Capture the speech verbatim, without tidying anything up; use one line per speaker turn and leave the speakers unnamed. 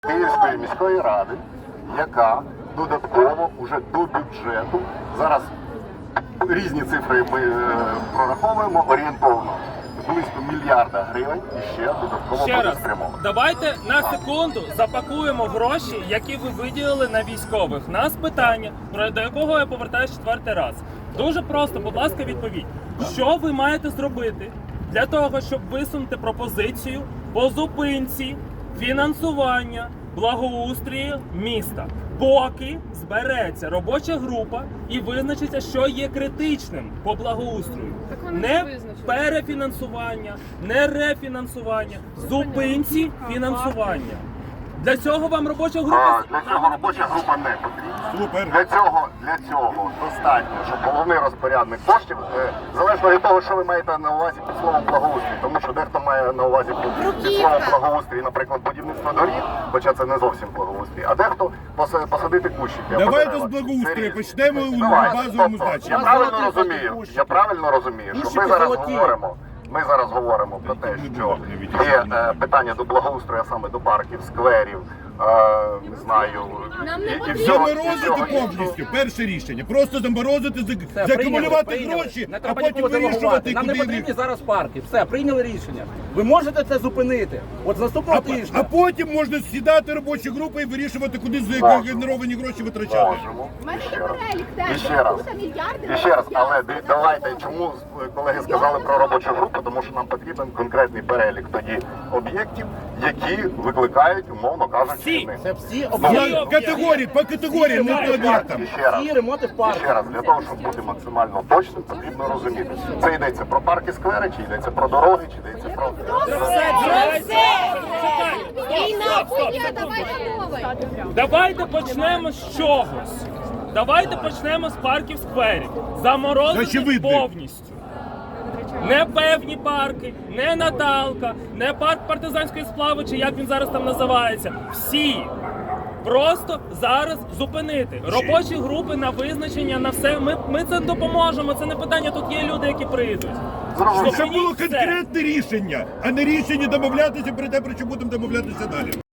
Київської міської ради, яка додатково уже до бюджету, зараз різні цифри ми е, прораховуємо, орієнтовно близько мільярда гривень і ще додатково
Ще
буде
раз,
спрямовано.
давайте на секунду запакуємо гроші, які ви виділили на військових. Нас питання, про до якого я повертаюся четвертий раз. Дуже просто, будь ласка, відповідь. Що ви маєте зробити для того, щоб висунути пропозицію по зупинці фінансування благоустрію міста? Поки збереться робоча група і визначиться, що є критичним по благоустрою. Не перефінансування, не рефінансування, зупинці фінансування. Для цього вам робоча група...
А, для цього робоча група не потрібна.
Супер.
Для цього, для цього достатньо, щоб головний розпорядник коштів, е, залежно від того, що ви маєте на увазі під словом благоустрій, тому що дехто має на увазі під, під словом благоустрій, наприклад, будівництво доріг, хоча це не зовсім благоустрій, а дехто поса- посадити кущики. або
Давайте
дерева.
з благоустрію
Це різне.
почнемо у
Давайте.
базовому
Тобто,
значенні.
Я правильно розумію, я правильно розумію, що ми зараз говоримо. Ми зараз говоримо про те, що є е, питання до благоустрою, а саме до парків, скверів, е, не знаю,
Нам не
і, і
потрібно.
всього, і
Заморозити
всього іншого.
повністю. Перше рішення. Просто заморозити, зак-
Все,
закумулювати
прийняли,
гроші,
прийняли.
а
Не треба
потім
нікого
вирішувати,
делегувати. Нам не
куди
потрібні
їх.
зараз парки. Все, прийняли рішення. Ви можете це зупинити. От з наступного
А,
тижня.
а потім можна сідати робочі групи і вирішувати, куди
Можемо.
згенеровані гроші витрачати.
Можемо.
У мене
І
є
ще раз.
перелік
І
теж.
ще раз.
Тут мільярди.
І ще раз, але ди- давайте, чому е, колеги сказали про робочу групу, тому що нам потрібен конкретний перелік тоді об'єктів, які викликають, умовно кажучи,
Всі.
не.
Це всі
Ну,
об'єкти.
категорії, по категоріям, не по об'єктам.
І ще раз.
Всі ремонти в
І
парках.
ще раз, для того, щоб бути максимально точним, потрібно розуміти. Це йдеться про парки, сквери, чи йдеться про дороги, чи йдеться про...
Війна буде, давайте новий.
Давайте почнемо з чогось. Давайте почнемо з парків скверів. Заморозити
Очевидно.
повністю. Не певні парки, не Наталка, не парк партизанської сплави, чи як він зараз там називається. Всі. Просто зараз зупинити. Робочі групи на визначення, на все. Ми, ми це допоможемо, це не питання, тут є люди, які прийдуть.
Зрозуміло.
Щоб було
Все.
конкретне рішення, а не рішення домовлятися про те, про що будемо домовлятися далі.